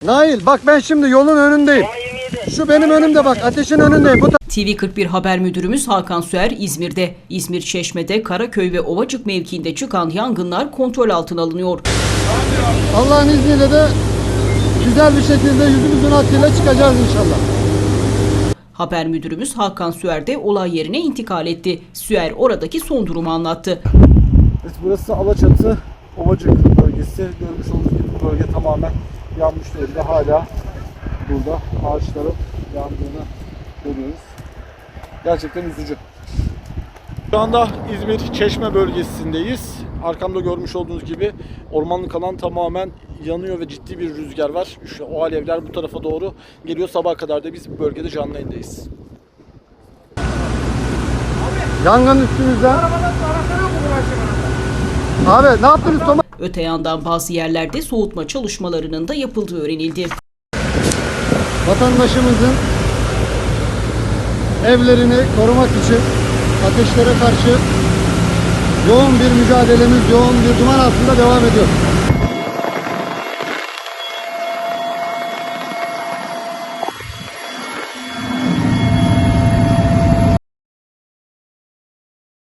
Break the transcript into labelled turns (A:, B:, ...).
A: Nail bak ben şimdi yolun önündeyim. Şu benim önümde bak, ateşin önündeyim.
B: TV41 haber müdürümüz Hakan Süer İzmir'de. İzmir Çeşme'de Karaköy ve Ovacık mevkiinde çıkan yangınlar kontrol altına alınıyor.
A: Allah'ın izniyle de güzel bir şekilde yüzümüzün hakkıyla çıkacağız inşallah.
B: Haber müdürümüz Hakan Süer de olay yerine intikal etti. Süer oradaki son durumu anlattı.
C: Evet, burası Alaçatı Ovacık bölgesi. Görmüş olduğunuz gibi bu bölge tamamen yanmış durumda. Hala burada ağaçların yandığını görüyoruz. Gerçekten üzücü. Şu anda İzmir Çeşme bölgesindeyiz. Arkamda görmüş olduğunuz gibi ormanlık alan tamamen yanıyor ve ciddi bir rüzgar var. İşte o alevler bu tarafa doğru geliyor. Sabaha kadar da biz bu bölgede canlı yayındayız.
A: Yangın üstümüzde. Abi ne yaptınız Thomas?
B: Öte yandan bazı yerlerde soğutma çalışmalarının da yapıldığı öğrenildi.
A: Vatandaşımızın evlerini korumak için ateşlere karşı yoğun bir mücadelemiz, yoğun bir duman altında devam ediyor.